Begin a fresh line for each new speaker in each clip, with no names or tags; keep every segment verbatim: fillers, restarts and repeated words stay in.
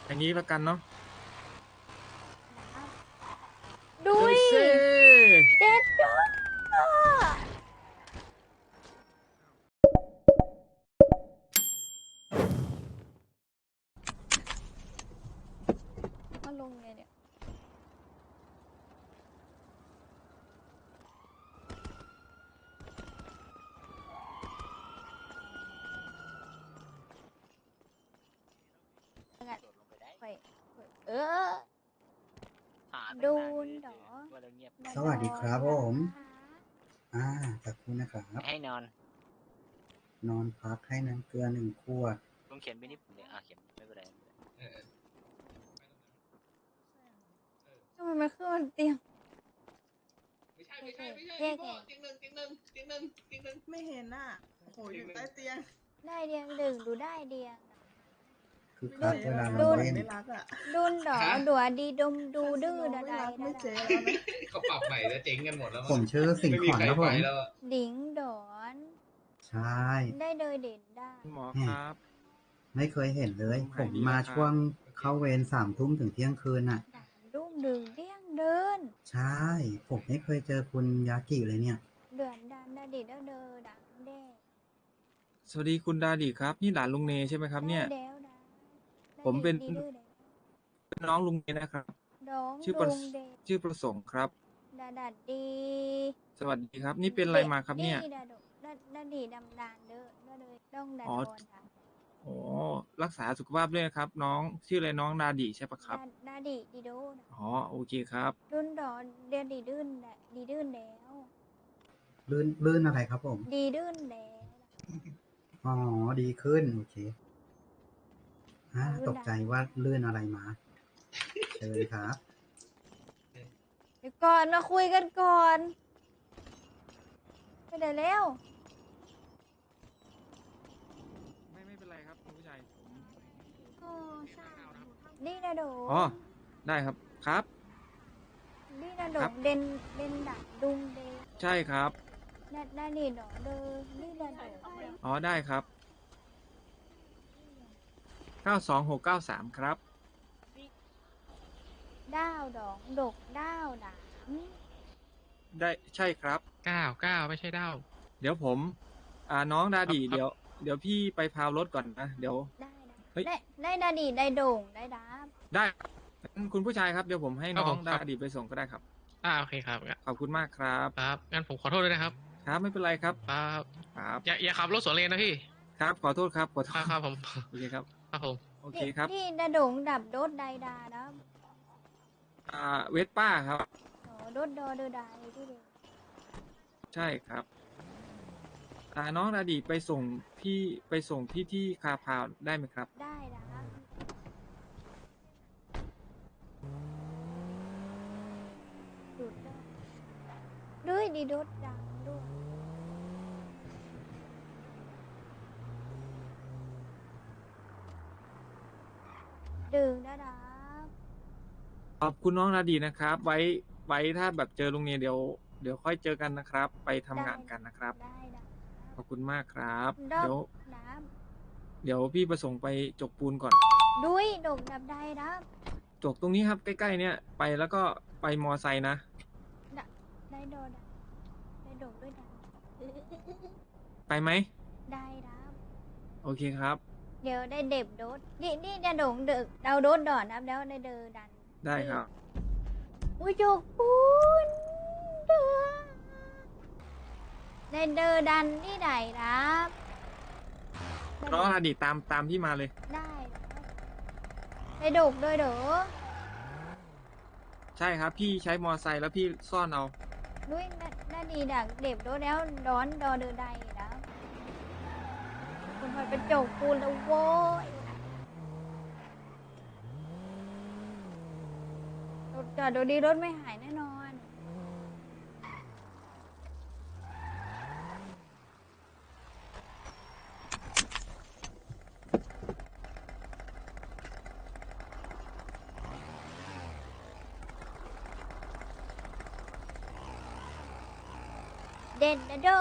อย่างนี้แล้วกันเนาะ
ดุ
เฮ้
ย
ยเซ่
เด็ดยอดมาลงไงเนี่ยงั้นไปเออดูนเหรอ
สวัสดีครับผม
นะคะ
อ่าขอบคุณนะครับ
ให้นอน
นอนพักให้น้ำเกลือหนึ่งขวด
ลุงเขียนไม่นิดเดียวอ่ะเขียนไม่เป็นไรไม่เป็นไร
ทำไมมันขึ้นบนเตียง
ไม่ใช่ไม่ใช่ไม่ใช่
แยก
พี่
ไง
โบเตียงหนึ่งเตียงหนึ่งเตียงหนึ่งเตียงหนึ่ง
ไม่เห็นน่ะ โอ้โห อยู่ใต้เตียง
ได้เดียงดึงดูได้เดียง
คือ
ไม่
คัก
เจ๊
เวลา
แล้ว
เรา
นะ
เล่น
ไม่รักอ่ะ
ดุนเหรอดัวดีดมดูดื้อ
ไม่
ดา
รัก
ดา
ไม่เจ๊
ดา
แล้วนะ
เขาปรับใหม่แล้วเจ๊งกันหมดแล้ว
ผมชื่อสิง
ไม่
ห์
มี
ขอน
ใคร
ครับ
ไป
ผม
แล้วอะ
ดิงดอน
ใช่
ได้เลยเด่นได้
คุณหมอครับ
ไม่เคยเห็นเลย
ผม
ผ
หาย
ม
ดี
มา
แล้วครับ
ช่วงเข้าเวรสามทุ่มถึงเที่ยงคืนน่ะ
ด่างดุ้งดึงเดี้ยงเดิน
ใช่ ผมไม่เคยเจอคุณยากิเลยเนี่ย
เดือนดันดาดิเดอเดอดังเด้
สวัสดีคุณดาดีครับ นี่หลานลุงเนใช่ไหมครับเนี่ย
ได้แล้วนะ
ผมเป็น
ได้ดื้อเด้
เป็นน้องลุงเนนะครับ
น้อง
ชื่อประ
ดุงเด้
ชื่อประสงค์ครับ
ดาดัดดี
สวัสดีครับ นี่เป็นอะไรมาครับเนี่ย
ดาดกดาดาดีดำดานเด้อเด้อเลยต้องดัน
อ๋อ
โดนค่ะ
โอ้รักษาสุขภาพด้วยนะครับ น้องชื่ออะไรน้องดาดีใช่ปะครับ
ดาดาดีดีโดนะ
อ๋อโอเคครับ
ดุนดอเดียดีดื้นแหละดีดื้นแล้ว
ลื่นลื่นอะไรครับผม
ดีดื้นแล้ว
อ๋อ ดีขึ้น โอเคอ่า
ลื่น
ตกใจว่าลื่นอะไรมา เชิญครับ
เดี๋ยวก่อนมาคุยกันก่อนไปไหนแล้ว
ไม่ไม่เป็นไรครับคุณผู้ชายผม
นี่นะโด
อ๋อได้ครับครับ
นี่นะโด
ครับ
เด่นเด่นดักดุงเด
ใช่ครับ
นานาดีดอเดอนี่นะโด
อ๋อได้ครับเก้าสองหกเก้าสามครับ
ดาวดองดกดาวดาม
ได้ใช่ครับ
เก้าเก้าไม่ใช่เด้า
เดี๋ยวผม อ่าน้องดาดี
ครับ
เดี๋ยว เดี๋ยวพี่ไปพาวรถก่อนนะ เดี๋ยว
ได้
เฮ้ย
ได้ได้ได้นาดีได้โด่งได้ดาบ
ได้งั้นคุณผู้ชายครับ เดี๋ยวผมให้น้
ครั
อบ
ผ
ง
ม
ดา
ครับ
ดีไปส่งก็ได้ครับ
อ่าโอเคครับ
ขอบคุณมากครับ
ครับงั้นผมขอโทษด้วยนะครับ
ครับไม่เป็นไรครับ
ครับ
ครับ
อย่าอย่าขับรถสวนเลนนะพี่
ครับ ขอโทษครับ ขอโท
ครั
ษ
บครับผม
โอเคครับ
ครับผม
โอเคครับ
นี่ดาโด่งดับโดดไดดาดับ
อ่า เวสป้าครับ
โอ้โดดดอเดอไดที่เดียว
ใช่ครับ อ่า น้องดาดีไปส่งพี่ไปส่งพี่ที่คาพาวได้ไหมครับ
ได้ดับดูดได้ด้วยดีโดดดังด้วยดึงนะดับ
ขอบคุณน้องดาดีนะครับ ไว้ ไว้ถ้าแบบเจอลุงเนี่ยเดี๋ยว เดี๋ยวค่อยเจอกันนะครับ ไปทำงานกันนะครับ
ได้ดับ
ขอบคุณมากครับ
ดอก
เดี๋ยว
น้
เดี๋ยวพี่ประสงค์ไปจกปูนก่อน
ำด้วยดกดับได้ดับ
จกตรงนี้ครับใกล้ๆเนี่ยไปแล้วก็ไปมอไซค์นะ
ได้โดดับได้ดกด้วยดับ
ไปไหม
ได้ดับ
โอเคครับ
เดี๋ยวได้เด็บโดดนี่นี่จะโด่งเดึกเราโดดดอนนะแล้วได้เดอดัน
ได้ครับ
อุ้ยจกปูนเด้อได้เดอดันนี่ไหนครับ
น้องอดีตตามตามพี่มาเลย
ได้ได้ดกด้วยเด้อ
ใช่ครับ พี่ใช้มอไซค์แล้วพี่ซ่อนเอา
ด้วยน่าน่าดีดักเด็บโดดแล้วร้อนดอเดอใดนะคุณพลอยเป็นจกปูนแล้วโว้ยรถจอดดูดีรถไม่หายแน่นอน เด่นนะโด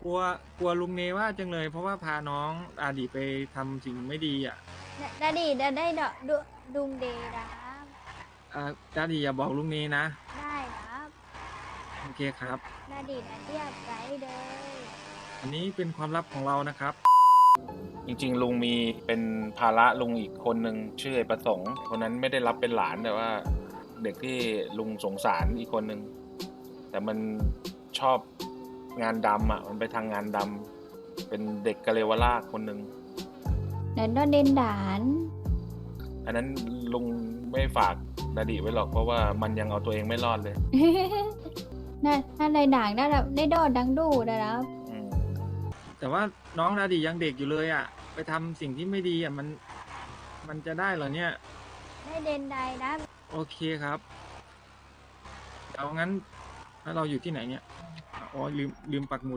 กลัวกลัวลุงเนว่าจังเลย เพราะว่าพาน้องอาดีไปทำสิ่งไม่ดีอ่ะ
ดาดีได้ได้ดอกดุดุงเดย์นะครับ
อ่าดาดีอย่าบอกลุงเนนะ
ได้ครับ
โอเคครับ
ดาดีนะเรียกใจเลย
อันนี้เป็นความลับของเรานะครับ
จริงๆลุงมีเป็นภาระลุงอีกคนหนึ่งชื่อไอ้ประสงค์คนนั้นไม่ได้รับเป็นหลานแต่ว่า เด็กที่ลุงสงสารอีกคนหนึ่งแต่มันชอบงานดำอ่ะมันไปทางงานดำเป็นเด็กกะเลวลากคนหนึ่ง
เดินดอนเดนด่าน
อันนั้นลุงไม่ฝากดาดิไว้หรอกเพราะว่ามันยังเอาตัวเองไม่รอดเลย
น่าน่าในด่างได้รับได้ดอดดังดูนะครับ
อืม
แต่ว่าน้องดาดียังเด็กอยู่เลยอ่ะ ไปทำสิ่งที่ไม่ดีอ่ะมันมันจะได้เหรอเนี่ย
ได้เดนไดนะ
โอเคครับเอางั้นแล้วเราอยู่ที่ไหนเนี่ยอ๋อลืมลืมปักหมุด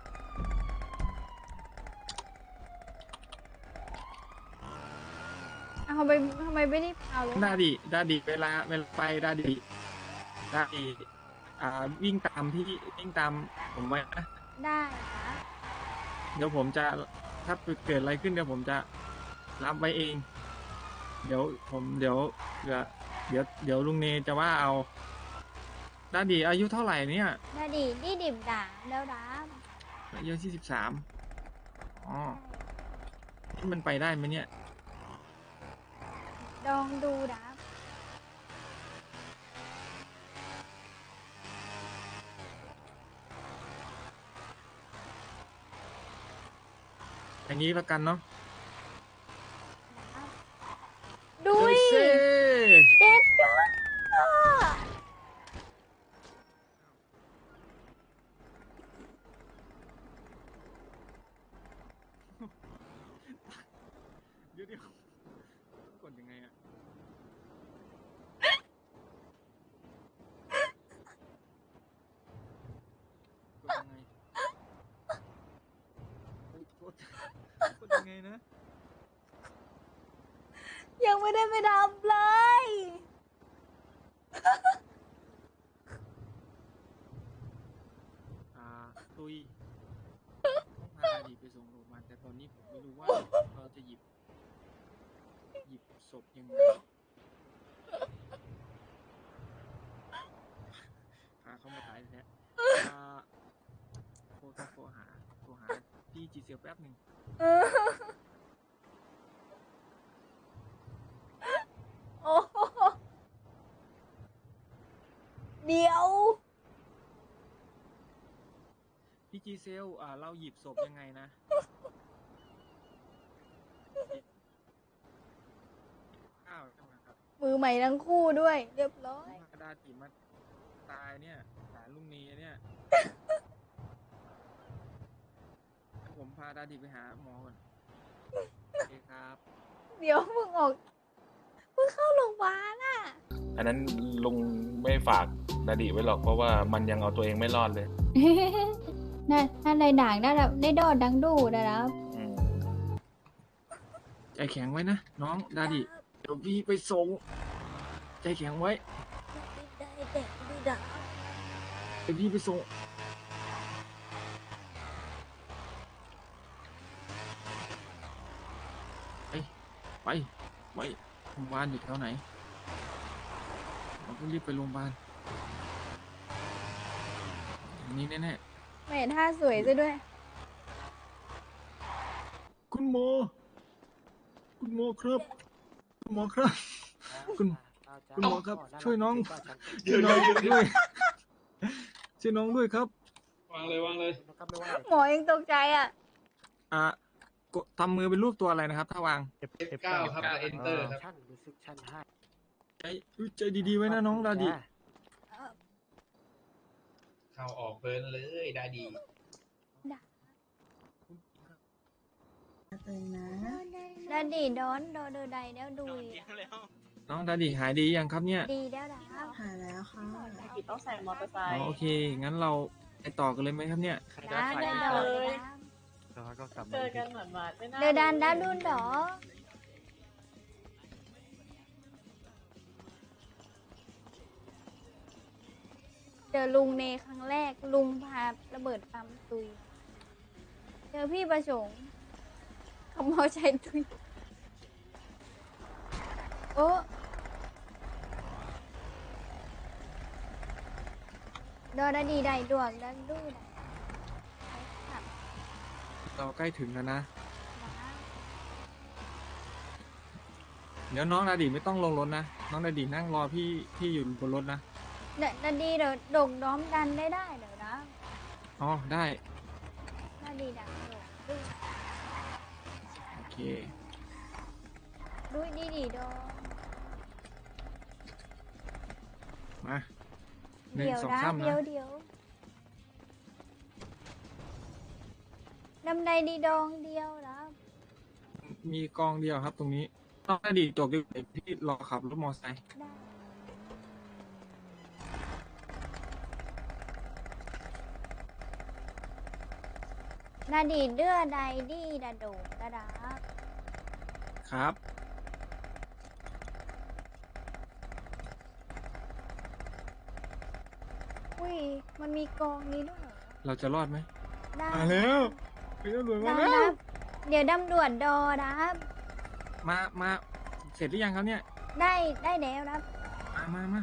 อ้าวทำไมทำไมไม่ได้เอาเลย
ดาดีดาดีเวลาเวลาไปดาดีดาดีอ่าวิ่งตามพี่วิ่งตามผมไว้นะ
ได้ครับ
เดี๋ยวผมจะถ้าเกิดอะไรขึ้นเดี๋ยวผมจะรับไว้เอง เดี๋ยวผมเดี๋ยวเดี๋ยวเดี๋ยวเดี๋ยวลุงเนจะว่าเอาดาดีอายุเท่าไหร่เนี่ย
ดาดีนี่ดิบด่างแล้วนะ
อายุที่สิบสามอ๋อที่มันไปได้ไหมเนี่ย
ลองดูนะ
อย่างนี้แล้วกันเนาะ
ดุย
เซ่
เด็ดด้วย
เดี๋ยวเดี๋ยวกดยังไงอะกดยังไงกดกดยังไงนะ
ยังไม่ได้ไปทำเลย
อ่าตุยต้องพาอดีตไปส่งโรงพยาบาลแต่ตอนนี้ผมไม่รู้ว่าเราจะหยิบ หยิบศพยังไงพาเขามาตายแท้อ่าโทรต้องโทรหาโทรหาพี่จีเซียวแป๊บหนึ่ง
โอ้โหเดี๋ยว
พี่จีเซลอ่าเราหยิบศพยังไงนะข้าวใช่ไหมครับ
มือใหม่ทั้งคู่ด้วย เรียบร้อย
กระดาษจีมาตายเนี่ยหลานลุงนีเนี่ยผมพาดาดีไปหาหมอก่อนโอเคครับ
เดี๋ยวมึงออกมึงเข้าโรงพยาบาลอ่ะ
อันนั้นลุงไม่ฝากดาดิไว้หรอกเพราะว่ามันยังเอาตัวเองไม่รอดเลย
น่าน่าในด่างได้รับได้ดอดดังดูนะครับ
อืม
ใจแข็งไว้นะน้องดาดิเดี๋ยวพี่ไปส่งใจแข็งไว้
ได้เด็กดีดัง
เดี๋ยวพี่ไปส่งไปไปไปโรงพยาบาลอยู่แถวไหนเราต้องรีบไปโรงพยาบาลอันนี้แน่
ไม่เห็นท่าสวยซะด้วย
ๆคุณหมอคุณหมอครับคุณหมอครับ คุณคุณหมอครับ ช่วยน้องช่วยน้องด้วยช่วยน้องด้วยครับ
วางเลยวางเลย
หมอยังตกใจอ่ะ
อ่ะกดทำมือเป็นรูปตัวอะไรนะครับ ถ้าวาง
เอฟเก้าครับกับ enter ครับ
ใจอุ๊ยใจดีๆไว้นะน้องดาดิ
เข้าออกเพลินเลยดาดี
ตึงนะ
ดาดีดอนดอเดอใดแล้วดุยอะ
น้องดาดิหายดียังครับเนี่ย
ดีแล้วนะครับ
หายแล้วค่ะ
ต้องใส่มอเตอร์ไซ
อ๋อ
ค์
โอเค งั้นเราไปต่อกันเลยไหมครับเนี่ย
ดาดาดอเลยนะ
เจอกันเหมือนมาไม่น่า
เดอดันดาดุนดอเจอลุงเนครั้งแรกลุงพาระเบิดปั๊มตุยเจอพี่ประสงค์ขโมยใจตุยโอ้ดอดาดีได้ดวงดังดูได้ขับ
เราใกล้ถึงแล้วนะ
นะ
เดี๋ยวน้องนาดีไม่ต้องลงรถนะ น้องนาดีนั่งรอพี่พี่อยู่บนรถนะ
เดดาดีเดี๋ยวโด่งน้อมดันได้ได้เดี๋ยวนะ
อ๋อ ได้
ดาดีดังโด่งดู
โอเค
ดูดีดีดอ
มาหนึ่ง
เดี๋ยว
สอง
นะ
สาม
เดี๋ยว
นะ
เดี๋ยวดำใดดีดองเดียวนะ
มีกองเดียวครับตรงนี้ น้องนาดีจบดีกว่าพี่รอขับรถมอเตอร์ไซค์
ได้นาดีเดือใดดีดาโดงดาดา
ครับ
อุ้ยมันมีกองนี้ด้วยเหรอ
เราจะรอดไหม
ได้
มาแล้วพี่ตำรวจมา
ได้
แล้
คว รับเดี๋ยวดำรวจดอนะครับ
มา มา เสร็จหรือยังครับเนี่ย
ได้ได้แล้วครับ
มามามา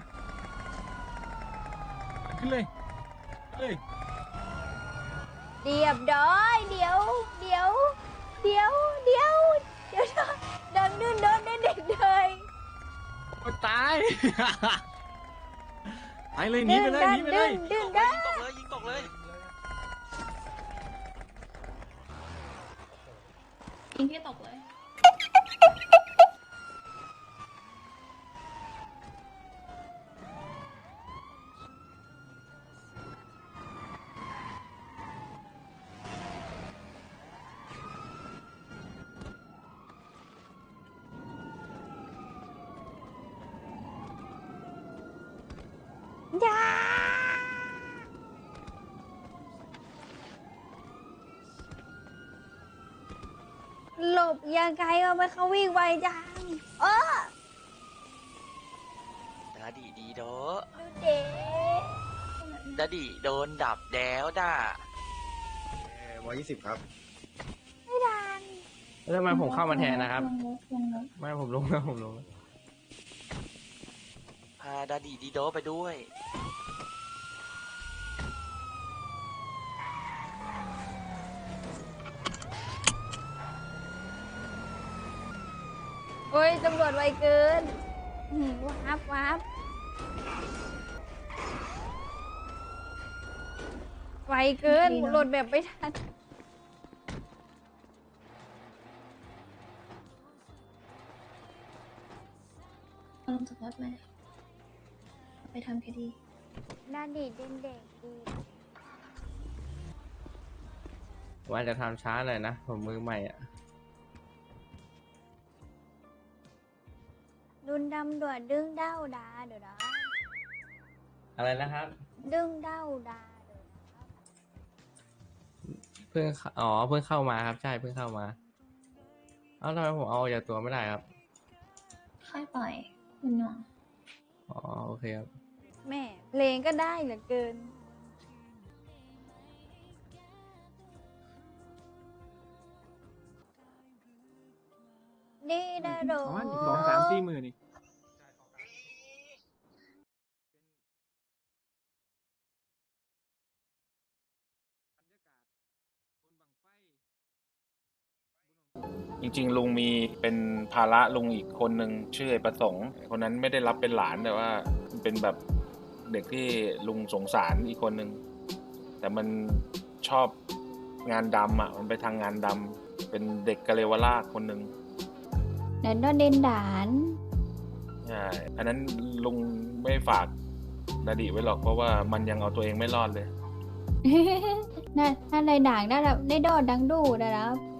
ขึ้นเลยขึ้นเลย
เรียบร้อยเดี๋ยว เดี๋ยว เดี๋ยว เดี๋ยว เดี๋ยวโดนดื้นโดนได้เด็กเลย
โอ้ตาย ไปเลยหนีไปเลยหนีไปเลย
ดื้น
ยิ
ได้
งตกเลยยิงตกเลย
ยิงพี่ตกเลย
อย่าหลบยังไงวะมันเขาวิ่งไวจังเออ
ดาดีดีโด
ดูเด็
ดาดีโดนดับแล้วด่า
ร้อยยี่สิบครับ
ไม่ดัน
แล้วทำไมผมเข้ามาแทนนะครับ
ลงรถลงรถ
ไม่ผมลงแล้วผมลงแล้ว
พาดาดีดีโดไปด้วย
โอ้ยตำรวจไวเกินอื้อหือวับวับไวเกินโหลดแบบไม่ทัน
เอาลงจากรถมาไปทำคดี
น่าดีเด่นเด็กดี
ว่าจะทำช้าหน่อยนะ ผมมือใหม่อ่ะ
ดุนดำด่วนดึงเด้าดาเดี๋ยวนะ
อะไรนะครับ
ดึงเด้าดาเดี๋ยวนะ
เพิ่งเข้าอ๋อ เพิ่งเข้ามาครับ ใช่ เพิ่งเข้ามา เอ้าทำไมผมเอาออกจากตัวไม่ได้ครับ
ค่อยปล่อยคุณหน่วง
อ๋อ โอเคครับ
แม่เพลงก็ได้เหลือเกิน ดีดาโด
ประมาณอีกสองสามสี่หมื่นนี่
จริงๆ ลุงมีเป็นภาระลุงอีกคนหนึ่งชื่อไอ้ประสงค์คนนั้นไม่ได้รับเป็นหลานแต่ว่าเป็นแบบเด็กที่ลุงสงสารอีกคนหนึ่งแต่มันชอบงานดำอ่ะมันไปทางงานดำเป็นเด็กกะเลวราชคนหนึ่ง
เดินดอนเดนดาน
ใช่อันนั้นลุงไม่ฝากดาดิไว้หรอกเพราะว่ามันยังเอาตัวเองไม่รอดเลย
น่าน่าในด่างได้แบบได้ดอดดังดูนะครับ